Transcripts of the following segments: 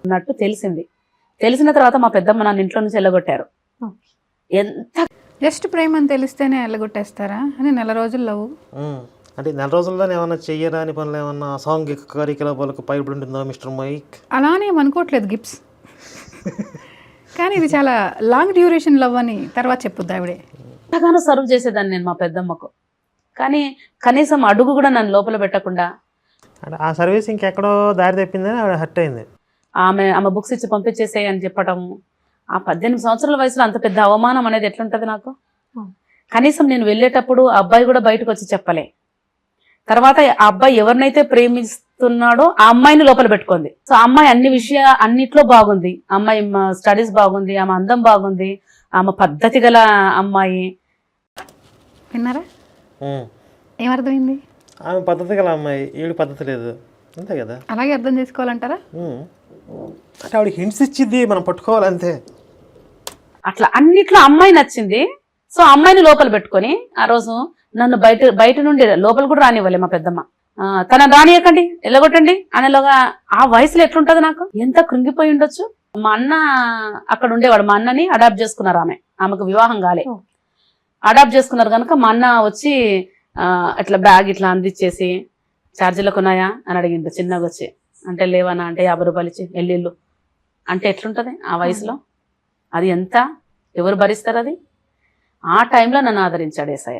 అన్నట్టు తెలిసిన తర్వాత మా పెద్దమ్మ నన్ను ఇంట్లో నుంచి వెళ్ళగొట్టారు. ఎంత జస్ట్ ప్రేమ అని తెలిస్తేనే వెళ్ళగొట్టేస్తారా అని నెల రోజులు లవ్ అంటే నెల రోజుల్లోనే ఏమన్నా చెయ్యరా అని పనులు ఏమన్నా సాంఘిక కార్యకలాపాలకు పైబడి ఉంటుందా మిస్టర్ మైక్? అలానే ఏమనుకోవట్లేదు గిప్స్, కానీ ఇది చాలా లాంగ్ డ్యూరేషన్ లవ్ అని తర్వాత చెప్పుద్ది ఆవిడే. ఎంతగానో సర్వ్ చేసేదాన్ని నేను మా పెద్దమ్మకు, కానీ కనీసం అడుగు కూడా నన్ను లోపల పెట్టకుండా. అంటే ఆ సర్వీస్ ఇంకెక్కడో దారి తప్పిందని ఆవిడ హర్ట్ అయింది. ఆమె బుక్స్ ఇచ్చి పంపించేసేయి అని చెప్పటము. ఆ 18 సంవత్సరాల వయసులో అంత పెద్ద అవమానం అనేది ఎట్లుంటది నాకు. కనీసం నేను వెళ్ళేటప్పుడు ఆ అబ్బాయి కూడా బయటకు వచ్చి చెప్పలే. తర్వాత ఆ అబ్బాయి ఎవరినైతే ప్రేమిస్తున్నాడో ఆ అమ్మాయిని లోపల పెట్టుకుంది. సో ఆ అమ్మాయి అన్నిట్లో బాగుంది. అమ్మాయి స్టడీస్ బాగుంది, ఆమె అందం బాగుంది, ఆమె పద్ధతి గల అమ్మాయి. విన్నారా ఏమర్థమైంది? ఆమె పద్ధతి గల అమ్మాయి, వీడు పద్ధతి లేదు, అంతే కదా. అలాగే అర్థం చేసుకోవాలంటారా? అంటే ఆవిడ హింట్స్ ఇచ్చింది, మనం పట్టుకోవాలంతే. అట్లా అన్నిట్లో అమ్మాయి నచ్చింది. సో అమ్మాయిని లోపల పెట్టుకొని ఆ రోజు నన్ను బయట నుండి లోపల కూడా రానివ్వలే మా పెద్దమ్మ. తనని రానియకండి, వెళ్ళగొట్టండి అనేలాగా. ఆ వయసులో ఎట్లుంటది నాకు, ఎంత కృంగిపోయి ఉండొచ్చు. మా అన్న అక్కడ ఉండేవాడు. మా అన్నని అడాప్ట్ చేసుకున్నారు. ఆమెకు వివాహం కాలే, అడాప్ట్ చేసుకున్నారు కనుక మా అన్న వచ్చి ఇట్లా బ్యాగ్ ఇట్లా అందించేసి ఛార్జీలకు ఉన్నాయా అని అడిగింది చిన్నగా వచ్చి. అంటే లేవనా అంటే 50 రూపాయలు ఇచ్చి ఎల్లిళ్ళు అంటే ఎట్లుంటది ఆ వయసులో? అది ఎంత, ఎవరు భరిస్తారు అది? ఆ టైంలో నన్ను ఆదరించాడు యేసయ్య,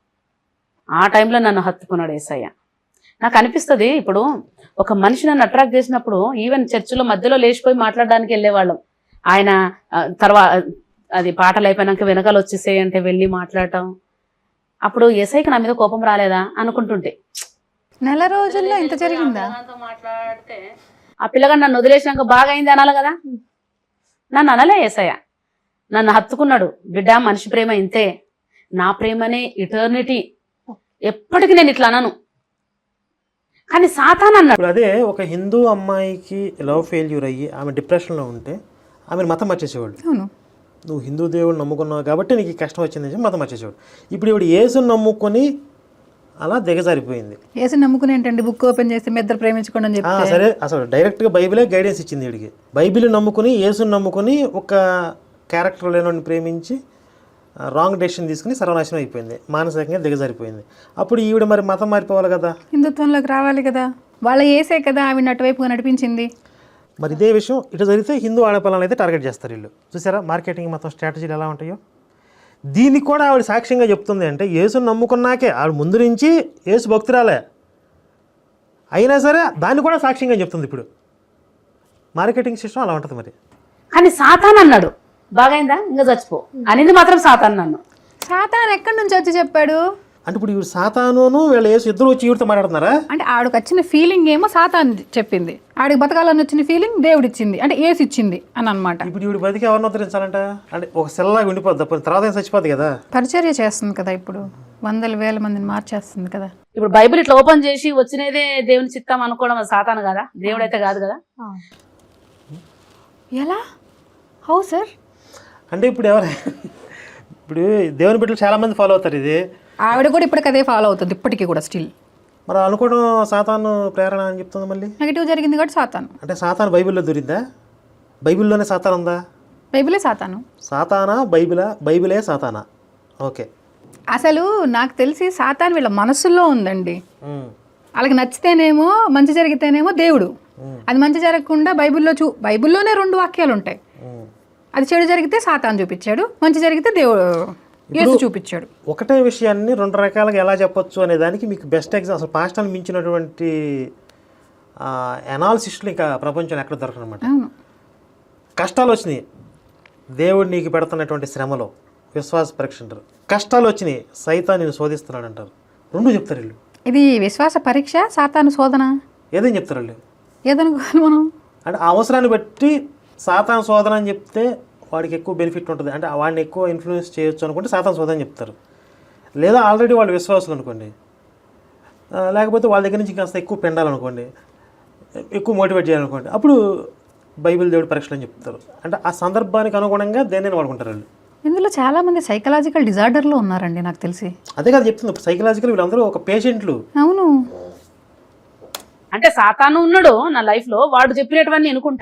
ఆ టైంలో నన్ను హత్తుకున్నాడు యేసయ్య. నాకు అనిపిస్తుంది, ఇప్పుడు ఒక మనిషి నన్ను అట్రాక్ట్ చేసినప్పుడు ఈవెన్ చర్చిలో మధ్యలో లేచిపోయి మాట్లాడడానికి వెళ్ళేవాళ్ళం. ఆయన తర్వాత అది పాటలు అయిపోయినాక వెనకాల వచ్చేసేయి అంటే వెళ్ళి మాట్లాడటం. అప్పుడు యేసయ్యకి నా మీద కోపం రాలేదా అనుకుంటుంటే, నెల రోజుల్లో ఇంత జరిగిందా? మాట్లాడితే ఆ పిల్లగాడు నన్ను వదిలేసినాక బాగా అయింది అనాలి కదా. నన్ను అనలే యేసయ్య, నన్ను హత్తుకున్నాడు. బిడ్డ, మనిషి ప్రేమ ఇంతే, నా ప్రేమనే ఇటర్నిటీ, ఎప్పటికీ నేను ఇట్లా అనను. కానీ సాతాన్ అన్నాడు. అదే ఒక హిందూ అమ్మాయికి లవ్ ఫెయిల్యూర్ అయ్యి ఆమె డిప్రెషన్లో ఉంటే ఆమెను మతం మార్చేసేవాళ్ళు. నువ్వు హిందూ దేవుడిని నమ్ముకున్నావు కాబట్టి నీకు కష్టం వచ్చిందని చెప్పి మతం మార్చేసేవాడు. ఇప్పుడు ఇవిడు యేసుని నమ్ముకొని అలా దిగజారిపోయింది. యేసుని నమ్ముకుని ఏంటండి, బుక్ ఓపెన్ చేసి మీ ఇద్దరు ప్రేమించుకోండి అని చెప్పి. సరే, అసలు డైరెక్ట్గా బైబిలే గైడెన్స్ ఇచ్చింది వీడికి. బైబిల్ నమ్ముకుని యేసుని నమ్ముకుని ఒక క్యారెక్టర్ లేని ప్రేమించి రాంగ్ డెసిషన్ తీసుకుని సర్వనాశనం అయిపోయింది, మానసికంగా దిగజారిపోయింది. అప్పుడు ఈవిడ మరి మతం మారిపోవాలి కదా, హిందుత్వంలోకి రావాలి కదా. వాళ్ళ యేసే కదా ఆవిడ అటువైపుగా నడిపించింది. మరి ఇదే విషయం ఇటు జరిగితే హిందూ ఆడపిల్లలను అయితే టార్గెట్ చేస్తారు వీళ్ళు. చూసారా మార్కెటింగ్ మొత్తం స్ట్రాటజీలు ఎలా ఉంటాయో. దీనికి కూడా ఆవిడ సాక్ష్యంగా చెప్తుంది. అంటే యేసుని నమ్ముకున్నాకే, ఆవిడ ముందు నుంచి యేసు భక్తురాలే అయినా సరే దాన్ని కూడా సాక్ష్యంగా చెప్తుంది. ఇప్పుడు మార్కెటింగ్ సిస్టమ్ అలా ఉంటుంది మరి. కానీ సాతాన్ అన్నాడు, బాగైందా ఇంకా చచ్చిపో అనేది మాత్రం సాతాన్. నన్ను సాతాన్ ఎక్కడి నుంచి వచ్చి చెప్పాడు అంటే ఇప్పుడు ఇవి సాతాను వీళ్ళ యేసు ఇద్దరు వచ్చి ఈవిడతో మాట్లాడుతున్నారా? అంటే ఆవిడకి వచ్చిన ఫీలింగ్ ఏమో సాతాన్ చెప్పింది, ఆడికి బతకాలని వచ్చిన ఫీలింగ్ దేవుడు ఇచ్చింది, అంటే యేసు ఇచ్చింది అని అనమాట. ఇప్పుడు ఈవిడ బతికి ఎవరిని ఉద్ధరించాలంట? అంటే ఒక సెల్లాగా ఉండిపోద్ది, తర్వాత ఏం చచ్చిపోద్ది కదా. పరిచర్య చేస్తుంది కదా, ఇప్పుడు వందల వేల మందిని మార్చేస్తుంది కదా. ఇప్పుడు బైబిల్ ఇట్లా ఓపెన్ చేసి వచ్చినదే దేవుని చిత్తం అనుకోవడం అది సాతాను కదా, దేవుడైతే కాదు కదా. ఎలా, హౌ సార్? అంటే ఇప్పుడు ఇప్పుడు దేవుని బిడ్డలు చాలా మంది ఫాలో అవుతారు ఇది. ఆవిడ కూడా ఇప్పటికి అదే ఫాలో అవుతుంది, ఇప్పటికీ కూడా స్టిల్. మరి అనుకోవడం సాతాను ప్రేరణ అని చెప్తుంది. మళ్ళీ నెగిటివ్ జరిగింది కాబట్టి సాతాను. అంటే సాతాను బైబిల్లో దొరికిందా? బైబిల్లోనే సాతాను ఉందా? బైబిలే సాతాను. సాతానా బైబిలే సాతానా? ఓకే. అసలు నాకు తెలిసి సాతాను వీళ్ళ మనసులో ఉందండి. వాళ్ళకి నచ్చితేనేమో మంచి జరిగితేనేమో దేవుడు, అది మంచి జరగకుండా బైబిల్లోనే 2 వాక్యాలు ఉంటాయి. అది చెడు జరిగితే సాతాను చూపించాడు, మంచి జరిగితే దేవుడు యేసు చూపించాడు. ఒకటే విషయాన్ని 2 రకాలుగా ఎలా చెప్పొచ్చు అనే దానికి మీకు బెస్ట్ ఎగ్జాంపుల్, అసలు పాస్టర్ని మించినటువంటి అనాలిసిస్టులు ఇంకా ప్రపంచంలో ఎక్కడ దొరకరు అనమాట. కష్టాలు వచ్చినాయి, దేవుడు నీకు పెడుతున్నటువంటి శ్రమలో విశ్వాస పరీక్ష అంటారు. కష్టాలు వచ్చినాయి, సైతాన్ నేను శోధిస్తున్నాడు అంటారు. 2 చెప్తారు వీళ్ళు. ఇది విశ్వాస పరీక్ష, సాతాను శోధన, ఏదేం చెప్తారు వాళ్ళు. ఏదనుకోవాలి మనం అంటే ఆ అవసరాన్ని బట్టి సాతాను శోధన అని చెప్తే వాడికి ఎక్కువ బెనిఫిట్ ఉంటుంది, అంటే వాడిని ఎక్కువ ఇన్ఫ్లుయెన్స్ చేయొచ్చు అనుకుంటే సాతాను శోధన అని చెప్తారు. లేదా ఆల్రెడీ వాళ్ళు విశ్వాసులు అనుకోండి, లేకపోతే వాళ్ళ దగ్గర నుంచి కాస్త ఎక్కువ పెండాలనుకోండి, ఎక్కువ మోటివేట్ చేయాలనుకోండి, అప్పుడు బైబిల్ దేవుడి పరీక్షలు అని చెప్తారు. అంటే ఆ సందర్భానికి అనుగుణంగా దేన్ని వాడుకుంటారు వాళ్ళు. ఇందులో చాలా మంది సైకలాజికల్ డిజార్డర్లో ఉన్నారండి నాకు తెలిసి. అదే కదా చెప్తుంది, సైకలాజికల్ వీళ్ళందరూ ఒక పేషెంట్లు. అవును. అంటే సాతాను ఉన్నాడు నా లైఫ్ లో, వాడు చెప్పినటువన్నీ అనుకుంటా,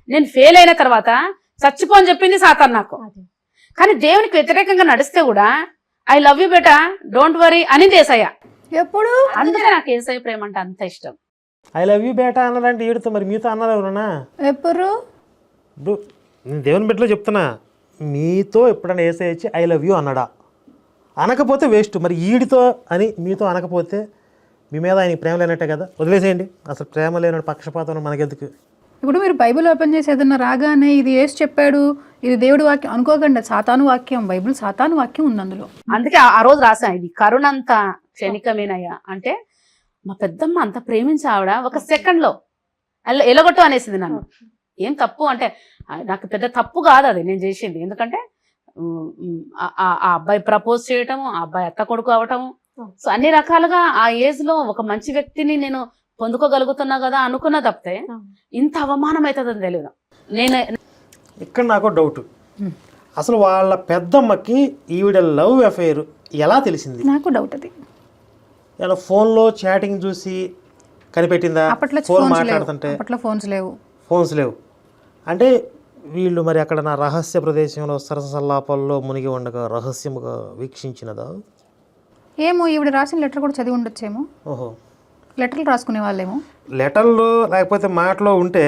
నేను ఫెయిల్ అయిన తర్వాత చచ్చిపో అని చెప్పింది సాతాన్ నాకు. కానీ దేవునికి వ్యతిరేకంగా నడిస్తే కూడా ఐ లవ్ యూ బేటా డోంట్ వరీ అని ఏసయ్య. ఎప్పుడు అందుకే నాకు ఏసయ్య ప్రేమ అంటే అంత ఇష్టం. ఐ లవ్ యూ బేటా అన్నాడంటే ఈడుతో మరి మీతో అన్నారు ఎవరన్నా? ఎప్పుడు ఇప్పుడు నేను దేవుని బిడ్డలో చెప్తున్నా, మీతో ఎప్పుడైనా ఏసై వచ్చి ఐ లవ్ యూ అన్నాడా? అనకపోతే వేస్ట్. మరి ఈడితో అని మీతో అనకపోతే మీ మీద ఆయన ప్రేమ లేనట్టే కదా, వదిలేసేయండి. అసలు ప్రేమ లేనట్టు పక్షపాతం మనకెందుకు? ఇప్పుడు మీరు బైబిల్ ఓపెన్ చేసి ఏదన్నా రాగానే ఇది యేసు చెప్పాడు, ఇది దేవుడి వాక్యం అనుకోకండి. సాతాను వాక్యం, బైబిల్ సాతాను వాక్యం ఉంది అందులో. అందుకే ఆ రోజు రాసా, ఇది కరుణంత క్షణికమేనయ్యా అంటే మా పెద్దమ్మ అంత ప్రేమించి ఆవిడ ఒక సెకండ్ లో ఎలగొట్టు అనేసింది నన్ను. ఏం తప్పు అంటే నాకు పెద్ద తప్పు కాదు అది నేను చేసింది. ఎందుకంటే ఆ అబ్బాయి ప్రపోజ్ చేయటము, ఆ అబ్బాయి అత్త కొడుకు అవటము, సో అన్ని రకాలుగా ఆ ఏజ్ లో ఒక మంచి వ్యక్తిని నేను పొందుకోగలుగుతున్నా కదా అనుకున్నా తప్పితే ఇంత అవమానం అవుతుందని తెలియదు. నేను ఇక్కడ నాకు డౌట్, అసలు వాళ్ళ పెద్దమ్మకి ఈవిడ లవ్ అఫైర్ ఎలా తెలిసింది? నాకు డౌట్ అది. ఇలా ఫోన్లో చాటింగ్ చూసి కనిపెట్టిందా? అప్పట్లో ఫోన్ మాట్లాడుతుంటే ఫోన్స్ లేవు. ఫోన్స్ లేవు అంటే వీళ్ళు మరి అక్కడ నా రహస్య ప్రదేశంలో సరసల్లాపాల్లో మునిగి ఉండగా రహస్యముగా వీక్షించినదా? ఏమో ఈవిడ రాసిన లెటర్ కూడా చదివి ఉండొచ్చేమో. ఓహో, లెటర్లు రాసుకునే వాళ్ళేమో. లెటర్లో లేకపోతే మాటలో ఉంటే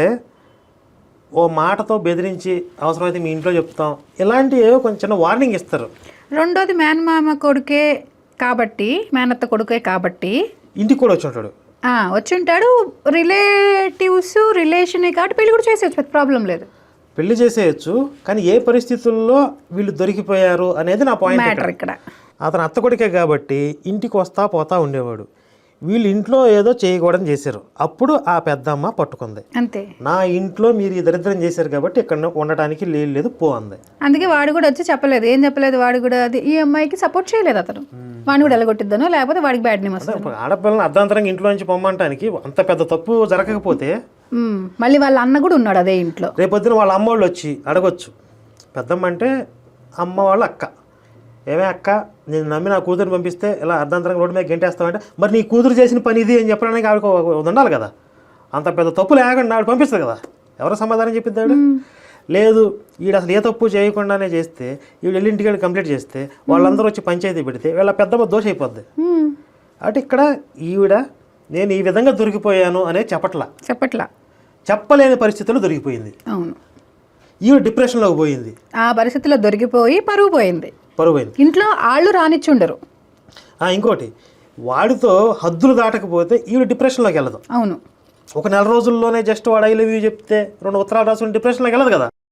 ఓ మాటతో బెదిరించి అవసరమైతే మీ ఇంట్లో చెప్తాం, ఇలాంటి ఏవో కొంచెం చిన్న వార్నింగ్ ఇస్తారు. రెండోది మేనమామ కొడుకే కాబట్టి, మేనత్త కొడుకే కాబట్టి ఇంటికి కూడా వచ్చి ఉంటాడు. వచ్చి ఉంటాడు. రిలేటివ్స్ రిలేషనే కాబట్టి పెళ్లి కూడా చేసేయచ్చు, పెద్ద ప్రాబ్లం లేదు. పెళ్లి చేసేయచ్చు, కానీ ఏ పరిస్థితుల్లో వీళ్ళు దొరికిపోయారు అనేది నా పాయింట్ మ్యాటర్ ఇక్కడ. అతను అత్త కొడుకే కాబట్టి ఇంటికి వస్తా పోతా ఉండేవాడు. వీళ్ళు ఇంట్లో ఏదో చేయకూడదని చేశారు, అప్పుడు ఆ పెద్దమ్మ పట్టుకుంది. అంతే, నా ఇంట్లో మీరు ఈ దరిద్రం చేశారు కాబట్టి ఇక్కడ ఉండటానికి లేదు పో అంది. అందుకే వాడు కూడా వచ్చి చెప్పలేదు, ఏం చెప్పలేదు. వాడు కూడా అది ఈ అమ్మాయికి సపోర్ట్ చేయలేదు. అతను వాడిని కూడా ఎలగొట్టిద్దనో లేకపోతే వాడికి బ్యాడ్ నేమ్ వస్తుంది. ఆడపిల్లని అర్ధాంతరంగా ఇంట్లో నుంచి పొమ్మంటానికి అంత పెద్ద తప్పు జరగకపోతే మళ్ళీ వాళ్ళ అన్న కూడా ఉన్నాడు అదే ఇంట్లో. రేపొద్దున వాళ్ళ అమ్మ వాళ్ళు వచ్చి అడగొచ్చు, పెద్దమ్మ అంటే అమ్మ వాళ్ళ అక్క, ఏమే అక్క నేను నమ్మి నా కూతురుని పంపిస్తే ఇలా అర్ధాంతరంగా రోడ్డు మీద గెంటేస్తామంటే మరి నీ కూతురు చేసిన పని ఇది అని చెప్పడానికి ఆవిడ ఉండాలి కదా. అంత పెద్ద తప్పు లేకుండా ఆవిడ పంపిస్తుంది కదా, ఎవరు సమాధానం చెప్పిద్దాడు? లేదు, వీడు అసలు ఏ తప్పు చేయకుండానే చేస్తే వీడు వెళ్ళి ఇంటికి కంప్లీట్ చేస్తే వాళ్ళందరూ వచ్చి పంచాయతీ పెడితే వీళ్ళ పెద్దమ్మ దోష అయిపోద్ది. అటు ఇక్కడ ఈవిడ నేను ఈ విధంగా దొరికిపోయాను అనే చెప్పలేని పరిస్థితుల్లో దొరికిపోయింది. అవును, ఈవిడ డిప్రెషన్లోకి పోయింది. ఆ పరిస్థితిలో దొరికిపోయి పరువు పోయింది. ఇంట్లో ఆళ్ళు రానిచ్చుండరు. ఇంకోటి, వాడితో హద్దులు దాటకపోతే ఈవిడ డిప్రెషన్లోకి వెళ్ళదు. అవును, ఒక నెల రోజుల్లోనే జస్ట్ వాడు ఐ లవ్ యూ చెప్తే 2 ఉత్తరాలు రాసుకుని డిప్రెషన్లోకి వెళ్ళదు కదా.